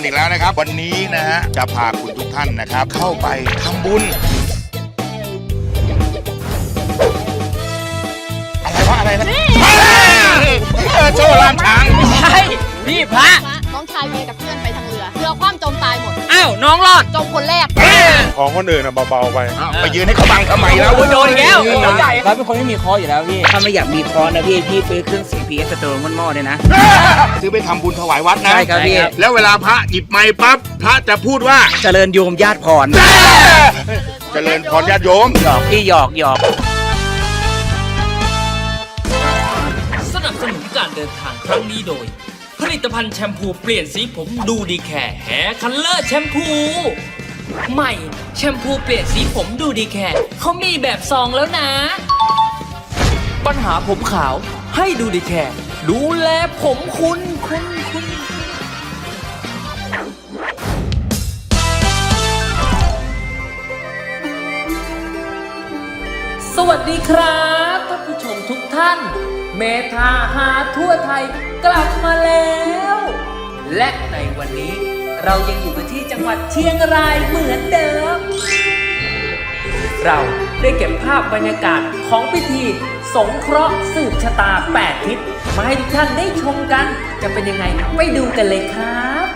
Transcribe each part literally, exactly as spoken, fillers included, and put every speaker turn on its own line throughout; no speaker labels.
อีกแล้วนะครับวันนี้นะฮะจะพาคุณทุกท่านนะครับเข้าไปทำบุญอะไรวะอะไรนะเออโซ่ลามช้าง
ใช่พี่พระ
น้องชายเมียกับเพื่อนไปทางเรือเรือคว่ำจมตายหมด
อ้าวน้องรอด
จมคนแรก
ของคนอื่นอะเบาๆไป
ไปยืนให้เขาบังทำไมแล้ว
โดนแล้ว
เราเป็นคนไม่มีคออยู่แล้วพี่ถ้าไม่อยากมีคอนะพี่พี่ซื้อเครื่องเสียง พี เอส Store มันหม้อเลยนะ
ซื้อไปทำบุญถวายวัดนะ
ใช่ครับพี่
แล้วเวลาพระหยิบไม้ปั๊บพระจะพูดว่า
เจริญโยมญาติพร
เจริญพรญาติโยม
หยอกพี่หยอกหยอก
สนับสนุนการเดินทางครั้งนี้โดยผลิตภัณฑ์แชมพูเปลี่ยนสีผมดูดีแค่แฮร์คัลเลอร์แชมพูใหม่แชมพูเปลี่ยนสีผมดูดีแค่เขามีแบบซองแล้วนะปัญหาผมขาวให้ดูดีแค่ดูแลผมคุณคุณคุณสวัสดีครับท่านผู้ชมทุกท่านเมธาหาทั่วไทยกลับมาแล้วและในวันนี้เรายังอยู่กันที่จังหวัดเชียงรายเหมือนเดิมเราได้เก็บภาพบรรยากาศของพิธีสงเคราะห์สืบชะตาแปดทิศมาให้ทุกท่านได้ชมกันจะเป็นยังไงไปดูกันเลยครับ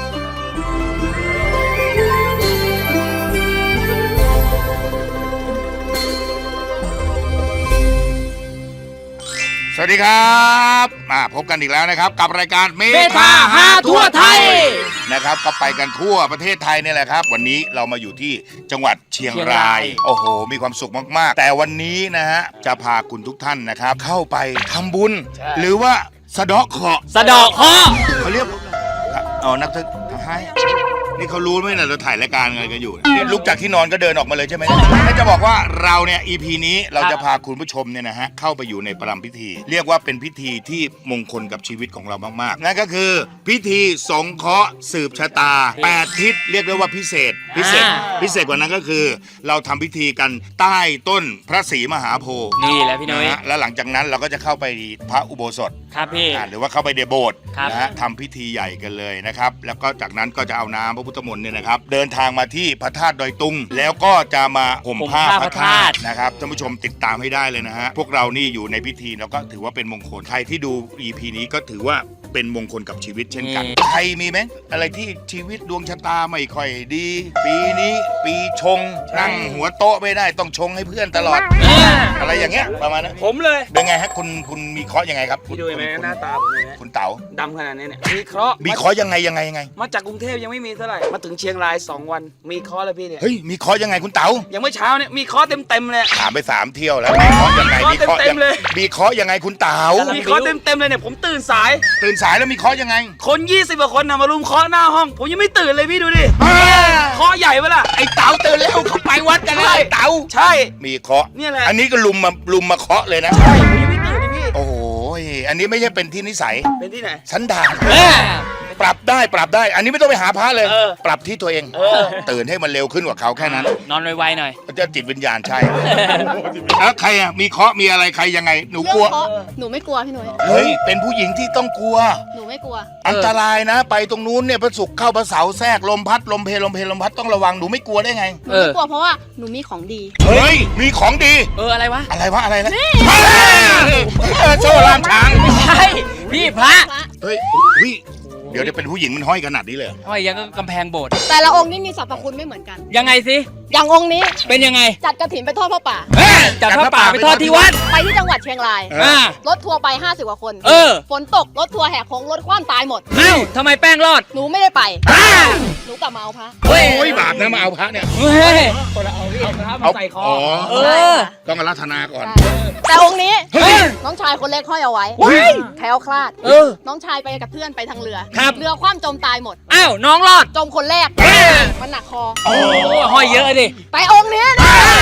สวัสดีครับมาพบกันอีกแล้วนะครับกับรายการเมธาหาทั่วไทยนะครับก็ไปกันทั่วประเทศไทยนี่แหละครับวันนี้เรามาอยู่ที่จังหวัดเชียงรายโอ้โหมีความสุขมากๆแต่วันนี้นะฮะจะพาคุณทุกท่านนะครับเข้าไปทำบุญหรือว่าสะเดาะเคราะห์
สะเดาะเคราะห์
เขาเรียกเอานักให้นี่เขารู้ไหมเนี่ยเราถ่ายรายการอะไรกันอยู่นี่ลุกจากที่นอนก็เดินออกมาเลยใช่ไหมถ้าจะบอกว่าเราเนี่ย อี พี นี้เราจะพาคุณผู้ชมเนี่ยนะฮะเข้าไปอยู่ในประรำพิธีเรียกว่าเป็นพิธีที่มงคลกับชีวิตของเรามากๆนั่นก็คือพิธีสงเคราะห์สืบชะตาแปดทิศเรียกได้ว่าพิเศษพิเศษพิเศษกว่านั้นก็คือเราทำพิธีกันใต้ต้นพระศรีมหาโพธิ์
นี่แหละพี่น้อย
แล้วหลังจากนั้นเราก็จะเข้าไปพระอุโบสถ
ครับพี่
หรือว่าเข้าไปในโบสถ์นะฮะทำพิธีใหญ่กันเลยนะครับแล้วก็จากนั้นก็จะเอาน้ำพระพุทธมนต์เนี่ยนะครับเดินทางมาที่พระธาตุดอยตุงแล้วก็จะมาห่มผ้าพระธาตุนะครับท่านผู้ชมติดตามให้ได้เลยนะฮะพวกเรานี่อยู่ในพิธีแล้วก็ถือว่าเป็นมงคลใครที่ดู อี พี นี้ก็ถือว่าเป็นมงคลกับชีวิตเช่นกันใครมีไหมอะไรที่ชีวิตดวงชะตาไม่ค่อยดีปีนี้ปีชงนั่งหัวโต๊ะไม่ได้ต้องชงให้เพื่อนตลอดอะไรอย่างเงี้ยประมาณนั้น
ผมเลย
เป็นไงฮะคุณคุณมีเคราะห์ยังไงครับ
พี่ดูไหมหน้าตาผมเนี่ย
คุณเต๋า
ดำขนาดนี้เนี่ยมีเคราะห์
มีเคราะห์ยังไงยังไงยังไง
มาจากกรุงเทพยังไม่มีเท่าไหร่มาถึงเชียงรายสองวันมีเคราะห์แล้วพี่เนี่ย
เฮ้ยมีเคราะห์ยังไงคุณเต๋า
ยังไม่เช้าเนี่ยมีเคราะห์เต็มเต็มเลย
ถามไปสามเที่ยวแล้วมีเคราะห์ยังไงมีเคราะห์เต็มเลยมีเคราะห์ยังไงคุณเต๋า
มีเคราะห์เต็มเต็มเลยเนี่ยผมตื่นสาย
ตื่นสายแล้วมีเคราะห์ยังไง
คนยี่สิบกว่าคนนะมารุมเคาะหน้าห้องผมยังไม่ตื่นเลยพี่ดูดิเคาะใหญ่เวล่ะ
ไอ้เต๋าตื่นแล้วเขาไปวัดกันแล้วไอ้เต๋า
ใช่
มีเคาะ
นี่แหละ
อันนี้ก็ลุมมาลุมมาเคาะเลยนะ
ใช่ผมยังไม่ตื่นเลยพี่
โอ้โหอันนี้ไม่ใช่เป็นที่นิสัย
เป็นที่ไหน
สันดานปรับได้ปรับได้อันนี้ไม่ต้องไปหาพระเลยปรับที่ตัวเองตื่นให้มันเร็วขึ้นกว่าเขาแค่นั้น
นอนไวๆหน่อย
จะจิตวิญญาณใช่แล้วใครอ่ะมีเคาะมีอะไรใครยังไงหนูกลัว
หนูไม่กลัวพี่หนุ่ย
เฮ้ยเป็นผู้หญิงที่ต้องกลัว
หนูไม่กลัว
อันตรายนะไปตรงนู้นเนี่ยพระศุกร์เข้าพระเสาร์แทรกลมพัดลมเพลลมเพลลมพัดต้องระวังหนูไม่กลัวได้ไง
หนูไม่กลัวเพราะว่าหนูมีของดี
เฮ้ยมีของดี
เอออะไรวะ
อะไรวะอะไรนะโซ่ลามช้าง
ใช่พี่พระ
เฮ้ยเดี๋ยวจะเป็นผู้หญิงมันห้อยขนาดนี้เลย
ห้อยยังก็กำแพงโบสถ์
แต่ละองค์นี่มีสรรพคุณไม่เหมือนกัน
ยังไงสิ
อย่างองค์นี้
เป็นยังไง
จัดกฐินไปทอดผ้าป่า
จัดผ้าป่าไปทอดที่วัด
ไปที่จังหวัดเชียงรายรถทัวร์ไปห้าสิบกว่าคนฝนตกรถทัวร์แหกโค้งรถคว่ำตายหมด
เอ้าทำไมแป้งรอด
หนูไม่ได้ไปหนูกลับมาเอาพระ
โอ้ยบาปนะมาเอาพระเนี่ย
เฮ้ย
คนละเอาเอาพระมาใส่คอ
เออ
ต้องอาราธนาก่อน
แต่องค์นี้น้องชายคนเล็กห้อยเอาไว้แคล้วคลาดน้องชายไปกับเพื่อนไปทางเรือเรือคว่ำจมตายหมด
อ้าวน้องรอด
จมคนแรกมันหนักคอ
โอ้ห้อยเยอะดิ
ไปองค์นี้นะ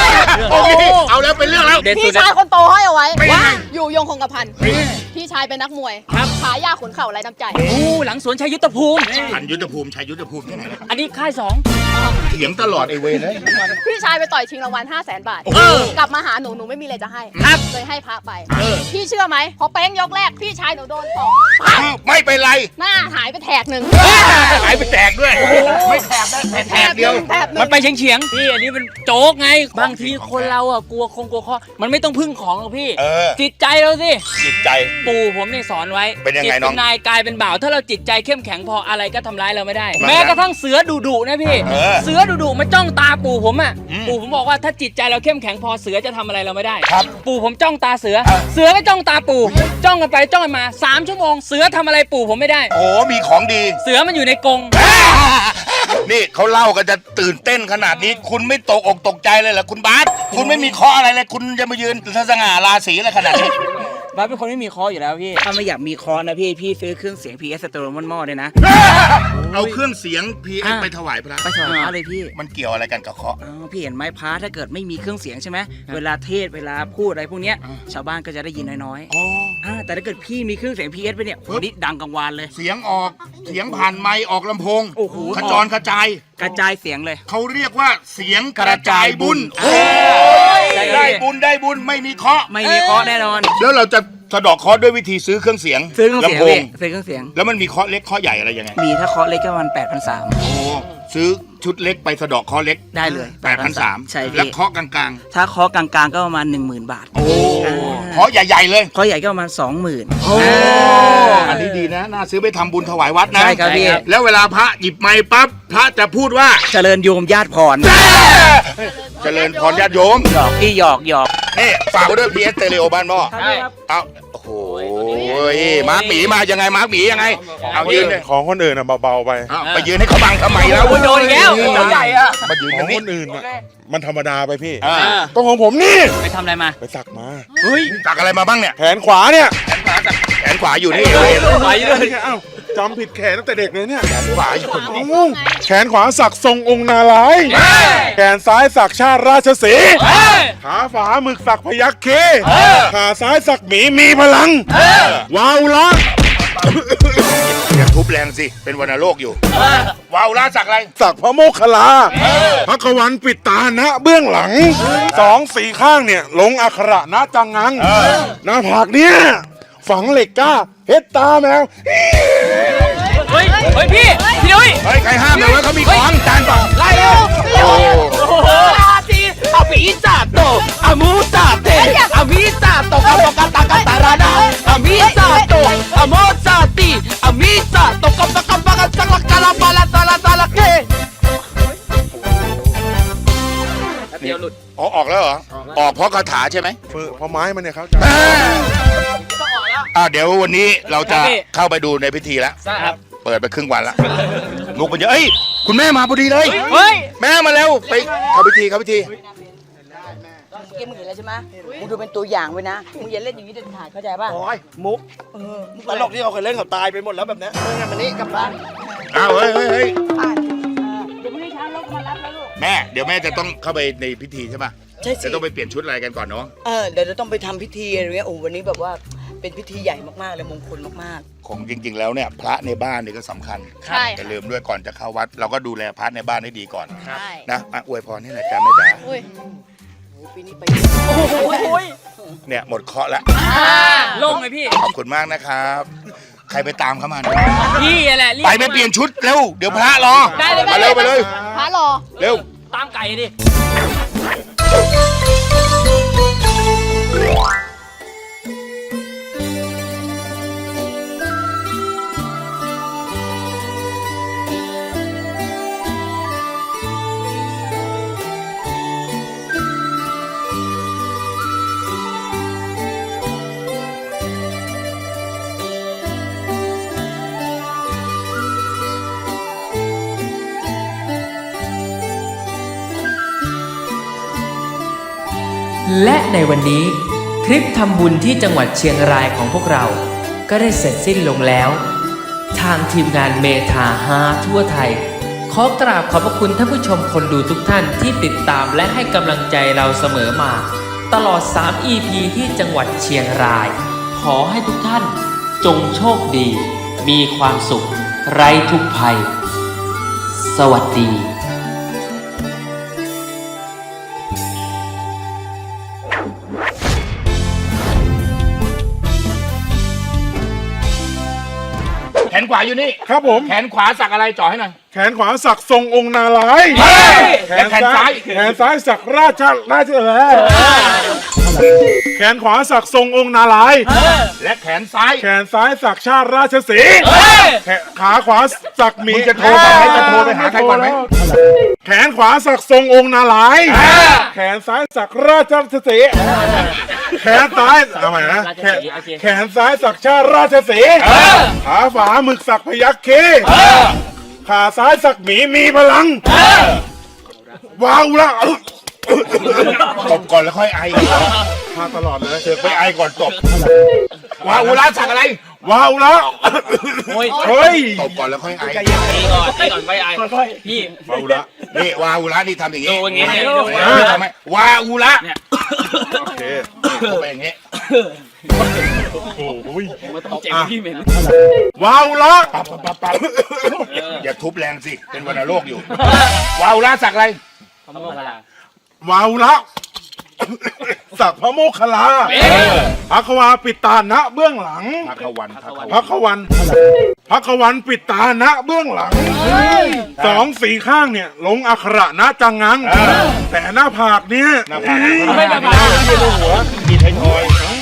โอ้โหเอาแล้วเป็นเรื่องแล้ว
เด็ดสุ
พี่
ด
ชายคนโตห้อยเอาไว้
เป็นยังไง
อยู่ยงคงกระพันพี่ชายเป็นนักมวย
ครับ
ขายาขุนเข่าไรน้ำใจ
โอ้หลังสวนชัยยุทธภูมิ
ชันยุทธภูมิชัยยุทธภูมิที่ไหน
อันนี้ค่ายสอง
เถียงตลอดไอเวรเลย
พี่ชายไปต่อยชิงรางวัลห้าแสนบาท
โอ้โห
กลับมาหาหนูหนูไม่มีอะไรจะให้
ครับ
เลยให้พระไป พี่เชื่อไหมพอเป้งยกแรกพี่ชายหนูโดนต่อ
อ้าวไม่เป็นไร
หน้าหายไปแถกหนึ่ง
หายไปแตกด้วย ไม่แตกได้แต่แตกเดียว
แถบหนึ่ง
มันไปเฉียงเฉียงๆพี่อันนี้เป็นโจ๊กไง บางทีคนเราอ่ะกลัวคงกลัวข้อมันไม่ต้องพึ่งของหรอกพี่
เออ
จิตใจเราสิ
จิตใจ
ปู่ผมเนี่ยสอนไว้
เป็นยังไง
จิต
น้
เป็
อง
นนายกายเป็นบ่าว ถ้าเราจิตใจเข้มแข็งพออะไรก็ทำร้ายเราไม่ได้
มัน
แม้กระทั่งเสือดุดุๆนะพี่
เออ
เสือดุดุๆมาจ้องตาปู่ผมอ่ะ
อืม
ปู่ผมบอกว่าถ้าจิตใจเราเข้มแข็งพอเสือจะทำอะไรเราไม่ได้
ครับ
ปู่ผมจ้องตาเสือ
เออ
เสือก็จ้องตาปู่ จ้องกันไปจ้องกันมาสามชั่วโมงเสือทำอะไรปู่ผมไม่ได้
โอ้มีของดี
เสือมันอยู่ในกรง
นี่เขาเล่ากันจะตื่นเต้นขนาดนี้ คุณไม่ตกอกตกใจเลยเหรอคุณบาสคุณไม่มีข้ออะไรเลย คุณจะมายืนสง่าราศีอะไรขนาดนี้
บ้าสเป็นคนไม่มีคออยู่แล้วพี่ ถ้าไม่อยากมีคอนะพี่ พี่ซื้อเครื่องเสียง พี เอส Stereo มันหม้อด้วยนะ
เอาเครื่องเสียง พี เอส
อ่ะ
ไปถวายพระ
ไปถวายพระเลยพี่
มันเกี่ยวอะไรกันกับเคาะ
อ๋อพี่เห็นไหมพระถ้าเกิดไม่มีเครื่องเสียงใช่ไหมเวลาเทศน์เวลาพูดอะไรพวกเนี้ย
อ่า
ชาวบ้านก็จะได้ยินน้อย
โอ้
ๆอ่าแต่ถ้าเกิดพี่มีเครื่องเสียง พี เอส ไปเนี่ยโหนี่ดังกังวานเลย
เสียงออกเสียงผ่านไมค์ออกลำโพง
โอ้โห
ขจรกระจาย
กระจายเสียงเลย
เขาเรียกว่าเสียงกระจายบุญ
โอ้ย
ได้บุญได้บุญไม่มีเคาะ
ไม่มีเคอแน่นอน
แล้วเราจะสะเดอกเคาะด้วยวิธีซื้อเครื่องเสียง
ซื้อเครื่องเสียง
ลำโพง
พี่ซื้อเครื่องเสียง
แล้วมันมีเคาะเล็กเคาะใหญ่อะไรยังไง
มีถ้าเคอเล็กก็ประมาณแปดพันสาม
โอ้ซื้อชุดเล็กไปสะเดอกเคาะเล็ก
ได้เลย
แปดพันสาม
ใช่พี่
แล้วเคาะกลาง
ถ้าเคอกลางๆก็ประมาณหนึ่งหมื่นบาท
ๆ โอ้เคาะใหญ่ๆเลย
เคอใหญ่ก็ประมาณสองหมื่น
อันนี้ดีนะ น่าซื้อไปทำบุญถวายวัดนะ
ใช่ครับพี่
แล้วเวลาพระหยิบไม้ปั๊บ พระจะพูดว่า
เจริญโยมญาติพร
เจริญพรญาติโยม
หยอกพี่หยอกหยอก
นี่ฝากไว้ด้วย พี เอส Stereo บ้านหม้อ
ครับ
เอาโอ้โหมาร์คหมีมายังไง มาร์คหมียังไง เอายืนเลย
ของคนอื่นอะเบาๆไป
เอาไปยืนให้เขาบังทำไมแล้ว
โอ้ยโดนอีกแล้วตัวใหญ่อะ
มายืน
ข
ตร
อง
งนี้
คนอื่นอะมันธรรมดาไปพี่
อ่า
ต้องของผมนี่
ไปทำอะไรมา
ไปสักมา
เฮ้ย
สักอะไรมาบ้างเนี่ย
แขนขวาเนี่ย
แขนขวาอยู่นี่
ไหวเลย
เอ้าจำผิดแขนตั้งแต่เด็กเลยเนี่ย
แขนขวาอยู่
เอ้าแขนขวาสักทรงองค์นารายณ์แขนซ้ายสักชาติราชสีห์ขาฝาหมึกสักพยัคฆ์เคขาซ้ายสักหมีมีพลังว้าวละ
อย่าทุบแรงสิ เป็นวัณโรคอยู่ ว้าวลาสักอะไร
สักพระโมคคัลลาพระกวันปิดตาณเบื้องหลังสองสี่ข้างเนี่ยลงอักขระณจังงังหน้าผากเนี่ยฝังเหล็กก้าเฮ็ดตาแมว
เฮ้ย เฮ้ยพี่ พี่นุ้ย
เฮ้ย ใครห้ามเลยว่าเขามีของจานเปล่า
ไล่เร็ว
โอ้
โอ้โหอาตีอาปีซาโตอามูซาเตอามิซาโตกะโตกะตะกะตะราดาอามิซาโตอาโมซาตีอามิซาโตกะตะกะปะกะสักละกะละปะละตะละตะละเกเดี๋ยวหลุด
อ๋อออกแล้วเหรอ ออกเพราะคาถาใช่ไหม
เออเพราะไม้มันเนี่ยเขาจะ
อ่าเดี๋ยววันนี้เราจะ
ครับพี่
เข้าไปดูในพิธีแล้ว
ครับ
เปิดไปครึ่งวันแล้วลูกมันเยอะเอ้ย คุณแม่มาพอดีเลย
เฮ้ย
แม่มาแล้วไปเข้าพิธีเข้าพิธี
เกมมึงเห็นแล้วใช่ไหมมึงดูเป็นตัวอย่างไว้นะ มึงอย่าเล่นอย่างนี้เด็ดขาดเข้าใจป่ะ
โอ้ยมุกตลกที่เขาเคยเล่นเขาตายไปหมดแล้วแบบเนี้ยเออมันนี่กลับบ้าน
อ้าวเฮ้ยเฮ้ยเฮ้ย
เดี๋ยวพรุ่งนี้เช้าเราก็มารับแล้วลูก
แม่ เดี๋ยวแม่จะต้องเข้าไปในพิธีใช่ปะ
ใช่สิ
จะต้องไปเปลี่ยนชุดอะไรกันก่อนเนาะ
เออเดี๋ยวเราต้องไปทำพิธีอะไรเงี้ยโอ้วันนี้แบบว่าเป็นพิธีใหญ่มากๆเลยมงคลมาก
ของจริง ๆ แล้วเนี่ยพระในบ้านเนี่ยก็สำคัญ
ใช่
อย่าลืมด้วยก่อนจะเข้าวัด เราก็ดูแลพระในบ้านให้ดีก่อน
ใช่
นะอ่ะอวยพรให้หน่อยจ้าแม่จ๋า
อุ้ย
ๆโอ้ปีนี้ไป
เนี่ยหมดเคราะห์แล้ว
ลงเลยพี่
ขอบคุณมากนะครับ ใครไปตามเขามา
พี่แหละรีบ
ไปไปเปลี่ยนชุดเร็ว เดี๋ยวพระรอ
ได้เลย
มาเร็วไปเลย
พระรอ
เร็ว
ตามไก่ดิ
และในวันนี้ทริปทำบุญที่จังหวัดเชียงรายของพวกเรา ก็ได้เสร็จสิ้นลงแล้ว ทางทีมงานเมทาฮาทั่วไทย ขขอกราบขอบพระคุณท่านผู้ชมคนดูทุกท่านที่ติดตามและให้กำลังใจเราเสมอมา ตลอด สาม อี พี ที่จังหวัดเชียงราย ขอให้ทุกท่านจงโชคดี มีความสุข ไร้ทุกภัย สวัสดี
แขนขวาอยู่นี่
ครับผม
แขนขวาสักอะไรจ่อให้หน่อย
แขนขวาสักทรงองค์นารายณ์
และแขนซ้าย
แขนซ้ายสักราชราชเออแขนขวาสักทรงองค์นารายณ์
และแขนซ้าย
แขนซ้ายสักชาติราชสีห์แขนขาขวาสักหมี
มึงจะโทรไปไหมจะโทรไปหาใครก่อนไหม
แขนขวาสักทรงองค์นารายณ์แขนซ้ายสักราชสีห์แขนซ้ายเอาใหม่นะแขนแขนซ้ายสักชาติราชสีห์ขาขวาหมึกสักพยัคฆ์เคขาซ้ายสักหมีมีพลังว้าวละ
ตบก่อนแล้วค่อยไอ
มาตลอดเลย
เสือกไปไอก่อนตบวาอุระสักอะไร
ว้าวละเฮ้ย
ตบก่อนแล้วค่อยไอ
ตีก่อนตีก่อนไปไอ้พี่
ว้าวละ
นี่วาอุระนี่ทำอย่าง
ดู
งี้
อย่างงี้เนี่ย
นี่ทำไมวาอุระ
โอเค
เข้าไปอย่างงี้
โอ้ย
มาตบเจ็บพี่เหม็น
ว้าวละ
ปั๊บปั๊บปั๊บปั๊บอย่าทุบแรงสิ เป็นวัณโรคอยู่ วาอุระสักอะไร
ว้าวละสักพระโมคคัลลาพักวาปิดตาณเบื้องหลัง
พักวันพักวัน
พักวันพักวันปิดตาณเบื้องหลังสองสีข้างเนี่ย ลงอักขระณจังงัง แต่หน้าผากเนี่ย
หน้าผาก
ไม่หน้าผาก
มีไทยทอย